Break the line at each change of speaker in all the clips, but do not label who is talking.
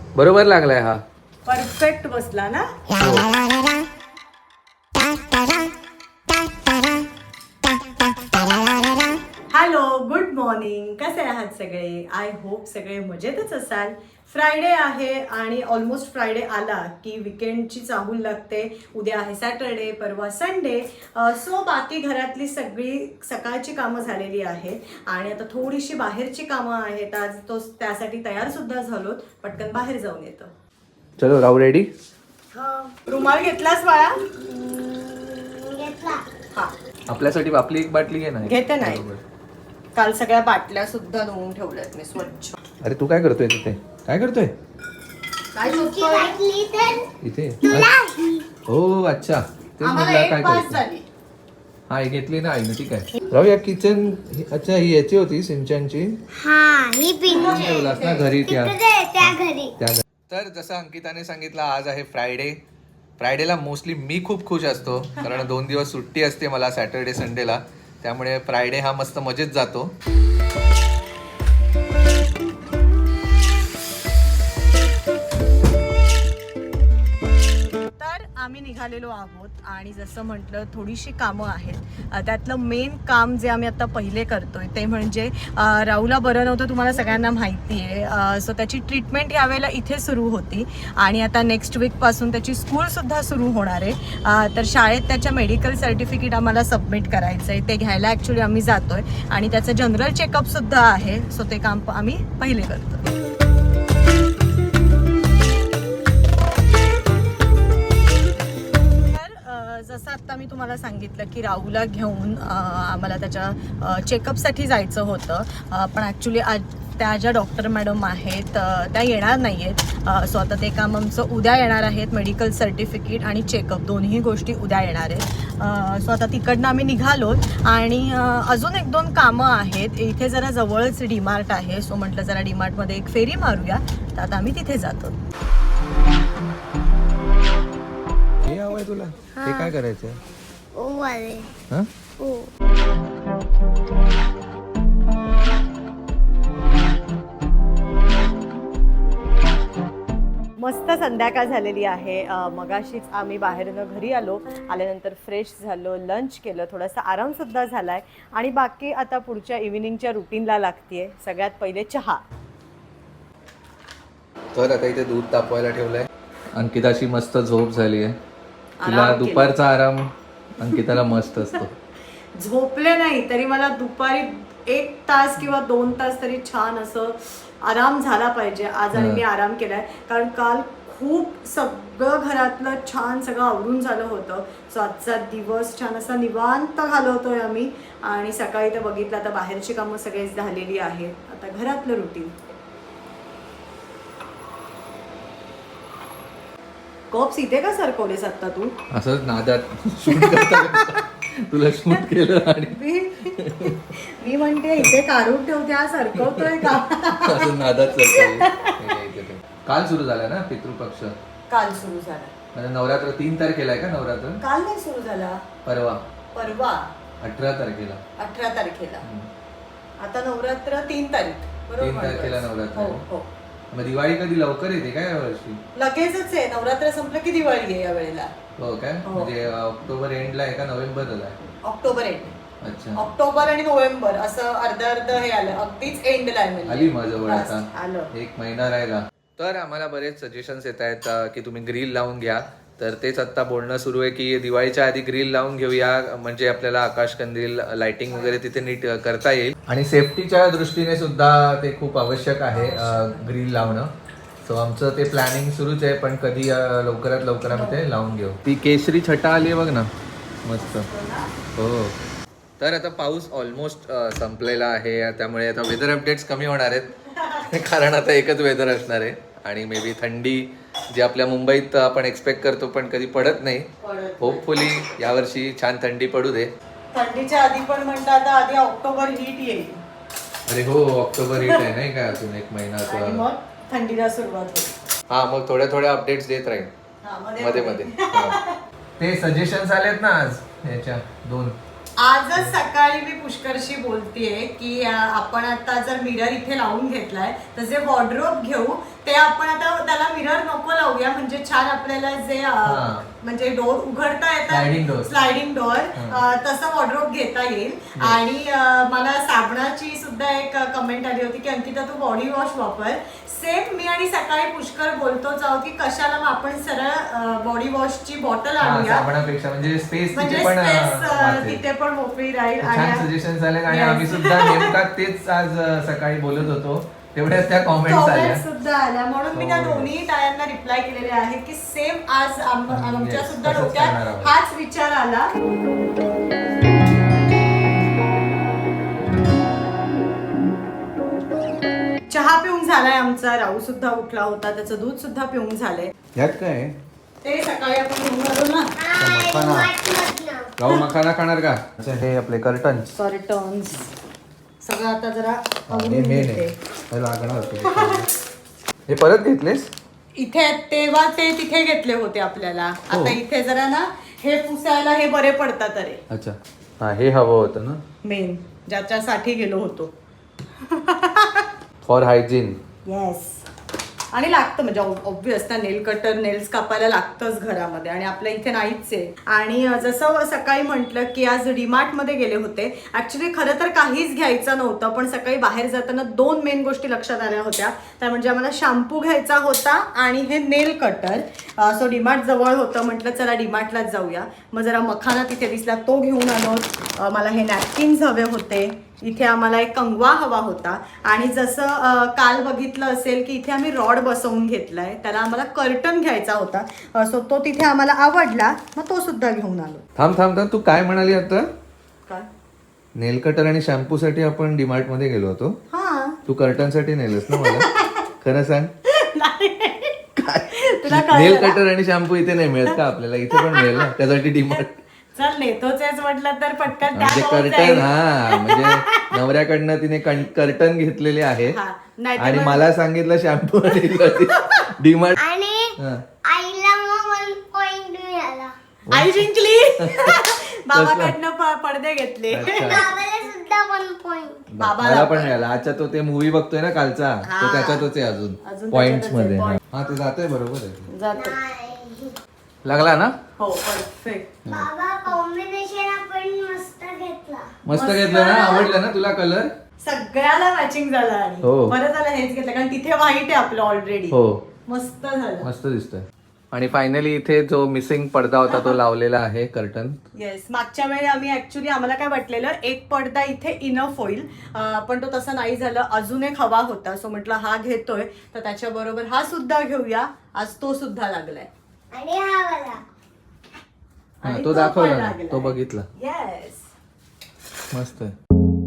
बरोबर लागलाय हा.
परफेक्ट बसला ना. Hello, good morning. कसे आहात सगळे? आय होप सगळे मजेतच असाल. फ्रायडे आहे आणि ऑलमोस्ट फ्रायडे आला की विकेंडची चाहूल लागते. उद्या आहे सॅटरडे, परवा संडे. सो बाकी घरातली सगळी सकाळची कामं झालेली आहेत आणि आता थोडीशी बाहेरची कामं आहेत. आज त्यासाठी तयार सुद्धा झालोत. पटकन बाहेर जाऊन येतो.
चलो राहू रेडी.
रुमाल घेतलास बाळा? हा,
आपल्यासाठी आपली एक बाटली घे ना.
घेते नाही. काल सगळ्या बाटल्या सुद्धा धुवून ठेवल्यात मी स्वच्छ.
अरे तू काय करतोय तिथे? काय करतोय
काय शोधतोय?
इथे? हो अच्छा, तेच म्हटलं काय करतोय. हा हे घेतली ना आईने, ठीक आहे. राहू या किचन. अच्छा ही याची होती सिंचनची.
ही पिंच
ठेवलास ना घरी त्या
घरी.
तर जसं अंकिताने सांगितलं, आज आहे फ्रायडे. फ्रायडेला मोस्टली मी खूप खुश असतो कारण 2 दिवस सुट्टी असते मला सॅटर्डे संडेला. त्यामुळे फ्रायडे हा मस्त मजेत जातो.
आम्ही निघालेलो आहोत आणि जसं म्हटलं थोडीशी कामं आहेत. त्यातलं मेन काम जे आम्ही आता पहिले करतोय ते म्हणजे राहूला बरं नव्हतं, तुम्हाला सगळ्यांना माहिती आहे. सो त्याची ट्रीटमेंट यावेळेला इथे सुरू होती आणि आता नेक्स्ट वीकपासून त्याची स्कूलसुद्धा सुरू होणार आहे. तर शाळेत त्याच्या मेडिकल सर्टिफिकेट आम्हाला सबमिट करायचं आहे. ते घ्यायला ॲक्च्युली आम्ही जातोय आणि त्याचं जनरल चेकअपसुद्धा आहे. सो ते काम आम्ही पहिले करतो. जसं आत्ता मी तुम्हाला सांगितलं की राहूला घेऊन आम्हाला त्याच्या चेकअपसाठी जायचं होतं. पण ॲक्च्युली आज त्या ज्या डॉक्टर मॅडम आहेत त्या येणार नाही आहेत. सो आता ते काम आमचं उद्या येणार आहेत. मेडिकल सर्टिफिकेट आणि चेकअप दोन्ही गोष्टी उद्या येणार आहेत. सो आता तिकडनं आम्ही निघालो आणि अजून 1-2 कामं आहेत. इथे जरा जवळच डीमार्ट आहे. सो म्हटलं जरा डीमार्टमध्ये एक फेरी मारूया. तर आता आम्ही तिथे जातो.
हे हवंय तुला? ते काय करायचंय? हा?
मस्त संध्याकाळ झालेली आहे. मगाशीच आम्ही बाहेरनं घरी आल्यानंतर फ्रेश झालो, लंच केलं, थोडासा आरामसुद्धा झाला आहे आणि बाकी आता पुढच्या इव्हिनिंगच्या रुटीनला लागते. सगळ्यात पहिले चहा.
तर आता इथे दूध तापवायला ठेवलंय. अंकिताची मस्त झोप झाली आहे. तिला दुपारचा आराम अंकिताला मस्त असतो.
झोपले नाही तरी मला दुपारी 1 तास किंवा 2 तास तरी छान असं आराम झाला पाहिजे आज. आणि मी आराम केलाय कारण काल खूप सगळं घरातलं छान सगळं आवरून झालं होतं. सो आजचा दिवस छान असा निवांत घालवतोय आम्ही आणि सकाळी तर बघितलं आता बाहेरची कामं सगळी झालेली आहेत. आता घरातलं रुटीन. कॉप्स इथे का सरकवलेस आता तू?
असंच नादात शूट करता तुला शूट केलं आणि
मी म्हणते इथे काढून ठेवते, हा सरकवतोय का?
असं नादात सरकवलं. काल सुरू झाला ना पितृपक्ष?
काल सुरू झाला.
म्हणजे नवरात्र 3 तारखेला आहे का? नवरात्र
काल नाही सुरू झाला,
परवा
18
तारखेला.
18 तारखेला. आता नवरात्र 3 तारीख.
3 तारखेला नवरात्र.
हो हो.
मग दिवाळी कधी लवकर येते काय यावर्षी?
लगेचच आहे. नवरात्र संपलं की दिवाळी आहे या वेळेला.
हो काय? म्हणजे ऑक्टोबर एंडला आहे का नोव्हेंबरला आहे?
October end.
अच्छा,
ऑक्टोबर आणि नोव्हेंबर असं अर्ध हे आलं. अगदीच एंडला आहे.
आली मग जवळ आता.
आलं
1 महिना राहिला. तर आम्हाला बरेच सजेशन्स येत आहेत की तुम्ही ग्रिल लावून घ्या. तर तेच आता बोलणं सुरू आहे की दिवाळीच्या आधी ग्रिल लावून घेऊया, म्हणजे आपल्याला आकाशकंदील लाइटिंग वगैरे तिथे नीट करता येईल आणि सेफ्टीच्या दृष्टीने सुद्धा ते खूप आवश्यक आहे ग्रिल लावणं. सो आमचं ते प्लॅनिंग सुरूच आहे, पण कधी लवकरात लवकर आम्ही ते लावून घेऊ. ती केशरी छटा आली बघ ना, मस्त. हो. तर आता पाऊस ऑलमोस्ट संपलेला आहे, त्यामुळे आता वेदर अपडेट्स कमी होणार आहेत कारण आता एकच वेदर असणार आहे आणि मे बी थंडी जी आपल्या मुंबईत आपण एक्सपेक्ट करतो पण कधी पडत नाही. होपफुली यावर्षी छान थंडी पडू दे.
थंडीच्या आधी पण म्हणतात आधी ऑक्टोबर हीट येईल.
अरे हो, ऑक्टोबर हीट आहे नाही का, अजून 1 महिना.
मग थंडीला सुरुवात होईल.
हा, मग थोड्या अपडेट्स देत राहील मध्ये मध्ये. ते सजेशन्स आलेत ना आज याच्या 2.
आजच सकाळी मी पुष्करशी बोलतेय की आपण आता जर मिरर इथे लावून घेतलाय तर जे वॉर्डरोब घेऊ ते आपण आता त्याला मिरर नको लावूया, म्हणजे छान आपल्याला जे म्हणजे डोर उघडता
Sliding door.
येतात, स्लायडिंग डोअर, तसं वॉर्डरोब घेता येईल. आणि मला साबणाची सुद्धा एक कमेंट आली होती की अंकिता तू बॉडी वॉश वापर. सेम मी आणि सकाळी पुष्कर बोलतोच आहोत की कशाला मग आपण सरळ बॉडी वॉशची बॉटल आणूया,
साबणापेक्षा म्हणजे स्पेस
म्हणजे
तिथे पण
space, तिथे पण मोकळी राहील.
छान सजेशन झाले. आणि आम्ही सुद्धा नेमका तेच आज सकाळी बोलत होतो, तेवढ्याच त्या कॉमेंट्स आल्या
सुद्धा आल्या, म्हणून मी त्या दोन्ही टाळ्यांना रिप्लाय केलेले आहे की सेम आज आमच्या सुद्धा
तसंच
डोक्यात
करणार आहोत.
हाच विचार आला. चहा पिऊन झालाय आमचा, राहू सुद्धा उठला होता, त्याचं दूध सुद्धा पिऊन झालंय.
यात काय
ते सकाळी आपण घेऊन आलो ना.
गाऊ मखाना खाणार का? हे आपले कर्टन
सॉरी टर्न्स सगळं आता जरा आवरून
मेन
घेते.
आहे लागणार. हे परत घेतलेस?
इथे तेव्हा ते तिथे घेतले होते आपल्याला, आता इथे जरा ना हे पुसायला हे बरे पडतात. अरे
अच्छा, हा हे हवं होतं ना
मेन ज्याच्यासाठी गेलो होतो.
For hygiene.
येस, आणि लागतं म्हणजे ऑब्विस ना, नेल कटर नेल्स कापायला लागतंच घरामध्ये, आणि आपल्या इथे नाहीच आहे. आणि जसं सकाळी म्हटलं की आज डीमार्ट मध्ये गेले होते. ऍक्च्युली खरं तर काहीच घ्यायचं नव्हतं, पण सकाळी बाहेर जाताना 2 मेन गोष्टी लक्षात आल्या होत्या. त्या म्हणजे आम्हाला शॅम्पू घ्यायचा होता आणि हे नेल कटर. सो डीमार्ट जवळ होतं, म्हटलं चला डीमार्टलाच जाऊया. मग जरा मखाना तिथे दिसला, तो घेऊन आलो. मला हे नॅपकिन्स हवे होते. इथे आम्हाला एक कंगवा हवा होता. आणि जसं काल बघितलं असेल की इथे आम्ही रॉड बसवून घेतलाय, त्याला आम्हाला कर्टन घ्यायचा होता. सो तो तिथे आम्हाला आवडला, मग तो सुद्धा घेऊन आलो.
थांब, तू काय म्हणाली आता?
काय?
नेल कटर आणि शॅम्पू साठी आपण डीमार्ट मध्ये गेलो होतो.
हा,
तू कर्टन साठी नेलस ना मला? खरं सांग.
तुला
नेल
कळलं ना?
कटर आणि शॅम्पू इथे नाही मिळत का आपल्याला? इथे पण मिळेल ना, त्यासाठी डीमार्ट.
चल नेतोच म्हटलं तर पटकन त्या
म्हणजे
जवळ
कर्टन,
जाईल.
हा म्हणजे नवऱ्याकडनं तिने कर्टन घेतलेले आहे.
हा, नाहीतर
आणि
मग-
मला सांगितलं शॅम्पू आणि डीमार्ट.
आणि आईला मग 1 पॉइंट मिळाला.
आई जिंकली. बाबाकडनं पडदे घेतले.
बाबाला सुद्धा 1 पॉइंट.
मला पण मिळाला. अच्छा, तो ते मूवी बघतोय ना कालचा, तो त्याच्यातच आहे
अजून
अजून पॉइंट्स
त्याच्यातच
मध्ये.
आहे,
हा ते जातोय, बरोबर आहे.
जातो.
लागला ना?
हो, परफेक्ट.
बाबा कॉम्बिनेशन आपण मस्त घेतला.
मस्त घेतलं ना? आवडलं ना तुला कलर?
सगळ्याला मॅचिंग झालं. आणि
हो.
बरं झालं हेच घेतलं, कारण तिथे व्हाईट आहे आपलं ऑलरेडी.
हो,
मस्त झालं.
मस्त दिसतोय. आणि फायनली इथे जो मिसिंग पडदा होता तो लावलेला आहे, कर्टन.
येस, मागच्या वेळी आम्हाला काय वाटलेलं एक पडदा इथे इनफ होईल, पण तो तसा नाही झालं. अजून एक हवा होता, सो म्हटलं हा घेतोय तर त्याच्या बरोबर हा सुद्धा घेऊया. आज तो सुद्धा लागलाय.
आणि हा वाला.
हा,
आणि
तो
पण
दाखवला ना,
लागलाय.
तो बघितला.
येस.
मस्त आहे.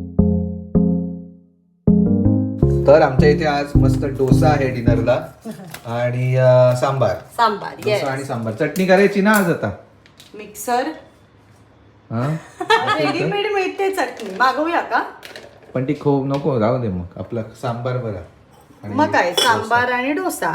तर आमच्या इथे आज मस्त डोसा आहे डिनरला आणि सांबार.
सांबार.
डोसा आणि सांबार. चटणी करायची ना आज आता?
मिक्सर
हा
रेडीमेड मिळते चटणी, मागवूया का?
पण ती खूप नको, राहू दे मग. आपला सांबार बरा. आणि
मग काय, सांबार आणि डोसा.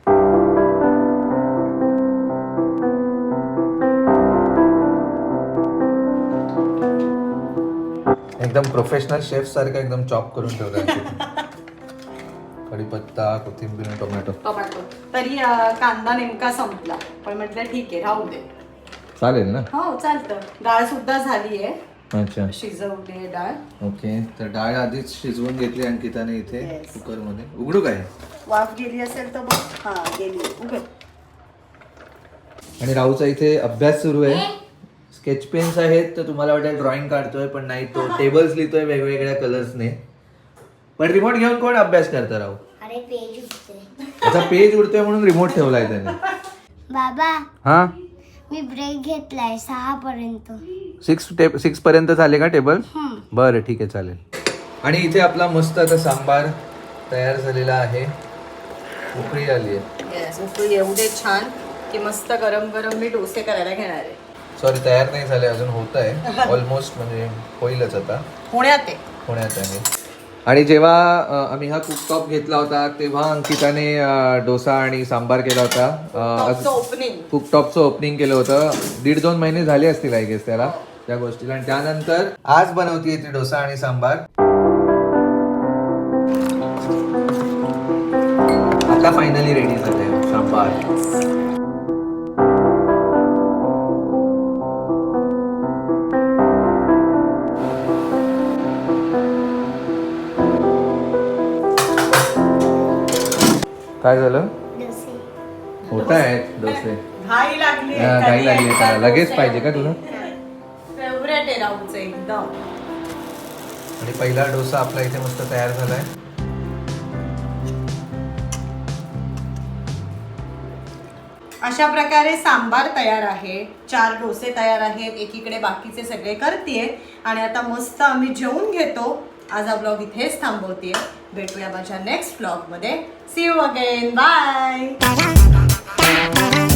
एकदम प्रोफेशनल शेफ सारखं एकदम चॉप करून ठेवलं. कढीपत्ता, कोथिंबीर, टोमॅटो.
तरी कांदा नेमका संपला, पण म्हटलं ठीक आहे राहू दे.
चालेल ना?
हो चालतं. डाळ सुद्धा झाली आहे,
अच्छा,
शिजवली आहे डाळ.
ओके. तर डाळ आधीच शिजवून घेतली अंकिताने इथे
Yes.
कुकर मध्ये. उघडू काय?
वाफ गेली असेल तर बघ. हा गेली, उघड.
आणि राहूचा इथे अभ्यास सुरू आहे. स्केच पेन्स आहेत, तर तुम्हाला वाटेल ड्रॉइंग काढतोय, पण नाही, तो टेबल्स लिहितोय वेगवेगळ्या कलर्सने. पण रिमोट घेऊन कोण अभ्यास करतं राहू?
अरे पेज उठते.
त्याचा पेज उडतोय म्हणून रिमोट ठेवलाय त्याने.
बाबा
हा,
मी ब्रेक घेतलाय 6 पर्यंत.
6 पर्यंत झाले का टेबल? बरं, ठीक आहे, चालेल. आणि इथे आपला मस्त आता सांबार तयार झालेला आहे. उकळी आली आहे.
येस, उकळी एवढे छान की मस्त गरम गरम मी डोसे करायला घेणार आहे.
सॉरी, तयार नाही झाले अजून, होत आहे ऑलमोस्ट, म्हणजे होईलच आता.
पुण्यात
आहे. आणि जेव्हा आम्ही हा कुकटॉप घेतला होता तेव्हा अंकिताने डोसा आणि सांबार केला होता.
ओपनिंग,
कुकटॉपचं ओपनिंग केलं होतं. 1.5-2 महिने झाले असतील आय गेस त्याला, त्या गोष्टीला. आणि त्यानंतर आज बनवतीये ती डोसा आणि सांबार. आता आता फायनली रेडी झालंय सांबार. काय झालं?
डोसे.
होत आहेत डोसे.
घाई लागली
घाई लागली त्याला. लगेच पाहिजे का तुला?
फेवरेट आहे राहूचं एकदम.
आणि पहिला डोसा आपला इथे मस्त तयार झालाय.
अशा प्रकारे सांबार तयार आहे, 4 डोसे तयार आहेत, एकीकडे बाकीचे सगळे करतेय आणि आता मस्त आम्ही जेवून घेतो. आज हा ब्लॉग इथेच थांबवतेय. भेटूया माझ्या नेक्स्ट ब्लॉग मध्ये. See you again. बाय.